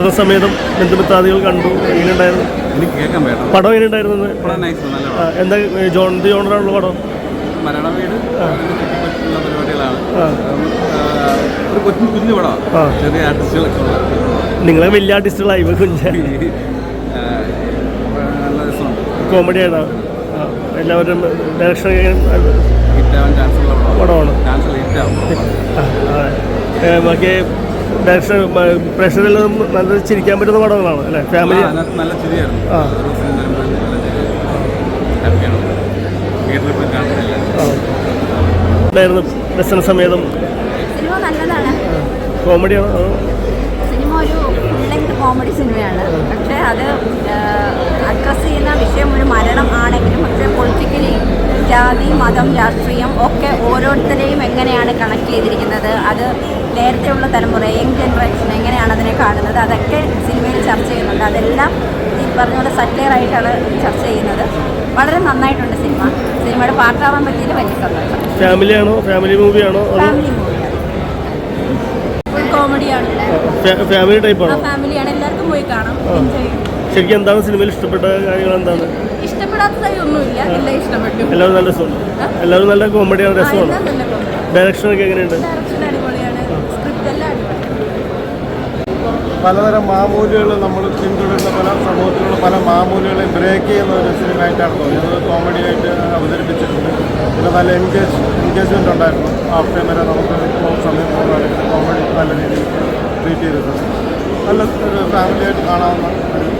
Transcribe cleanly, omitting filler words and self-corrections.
കുടുംബസമേതം ബന്ധുമിത്രാദികൾ കണ്ടു. എങ്ങനെയുണ്ടായിരുന്നു? എനിക്ക് കേൾക്കാൻ പറ്റും. പടം എങ്ങനെയുണ്ടായിരുന്നു? എന്താ ജോണറാണുള്ള പടം? മലയാള വീട് പരിപാടികളാണ്. ഒരു കുഞ്ഞു പടമാണ്. ചെറിയ ആർട്ടിസ്റ്റുകളൊക്കെ ഉള്ള. നിങ്ങളെ വലിയ ആർട്ടിസ്റ്റുകളായി കുഞ്ഞ നല്ല രസമുണ്ട്. കോമഡിയാണ്. എല്ലാവരും ഡയറക്ഷൻ ഹിറ്റാവാൻ ചാൻസ് ഉള്ള പടമാണ്. ബാക്കി ഡയറക്ഷൻ പ്രേക്ഷകരെല്ലാം നല്ല ചിരിക്കാൻ പറ്റുന്ന പടങ്ങളാണ് അല്ലേ? ഫാമിലി നല്ല ചിരിയായിരുന്നു. ഉണ്ടായിരുന്നു. ദർശന സമേതം സിനിമ നല്ലതാണ്. കോമഡിയാണോ? സിനിമ ഒരു ഫുൾ ലെങ്ത് കോമഡി സിനിമയാണ്. പക്ഷേ അത് അഡ്രസ്സ് ചെയ്യുന്ന വിഷയം ഒരു മരണം ആണെങ്കിലും പക്ഷേ പൊളിറ്റിക്കലി ജാതി, മതം, രാഷ്ട്രീയം ഒക്കെ ഓരോരുത്തരെയും എങ്ങനെയാണ് കണക്ട് ചെയ്തിരിക്കുന്നത്, അത് നേരത്തെയുള്ള തലമുറ യങ് ജനറേഷൻ എങ്ങനെയാണ് അതിനെ കാണുന്നത്, അതൊക്കെ സിനിമയിൽ ചർച്ച ചെയ്യുന്നുണ്ട്. അതെല്ലാം ഈ പറഞ്ഞ പോലെ സറ്റയറായിട്ടാണ് ചർച്ച ചെയ്യുന്നത്. വളരെ നന്നായിട്ടുണ്ട് സിനിമ. സിനിമയുടെ പാർട്ടാവാൻ പറ്റിയത് വലിയ സന്തോഷം. ഫാമിലിയാണോ? ഫാമിലി മൂവിയാണോ? ഫാമിലി മൂവിയാണ്. ഫുൾ കോമഡിയാണ്. ഫാമിലി ടൈപ്പാണോ? ഫാമിലിയാണ്. എല്ലാവർക്കും പോയി കാണാം. ശരിക്കും എന്താണ് സിനിമയിൽ ഇഷ്ടപ്പെട്ട കാര്യങ്ങൾ? എന്താണ് ഇഷ്ടപ്പെടാത്തതായി ഒന്നുമില്ല. എല്ലാം ഇഷ്ടപ്പെട്ടു. എല്ലാവരും നല്ല രസമുണ്ട്. എല്ലാവരും നല്ല കോമഡിയാണ്, രസമാണ്. ഡയറക്ഷനൊക്കെ എങ്ങനെയുണ്ട്? ഡയറക്ഷൻ അടിപൊളിയാണ്. സ്ക്രിപ്റ്റ് എല്ലാം അടിപൊളിയാണ്. പലതരം മാമൂലുകൾ നമ്മൾ പിന്തുടരുന്ന പല സമൂഹത്തിലുള്ള പല മാമൂലുകളെ ബ്രേക്ക് ചെയ്യുന്ന ഒരു സിനിമയായിട്ടാണ് തോന്നിയത്. കോമഡിയായിട്ട് അവതരിപ്പിച്ചിട്ടുണ്ട്. പിന്നെ നല്ല എൻഗേജ്മെൻ്റ് ഉണ്ടായിരുന്നു. ആഫ്റ്റർ വരെ നമുക്ക് സമയം പോകുന്നതായിട്ട് കോമഡി നല്ല രീതിയിൽ ട്രീറ്റ് ചെയ്തിട്ടുണ്ട്. നല്ല ഒരു ഫാമിലിയായിട്ട് കാണാവുന്ന ഒരു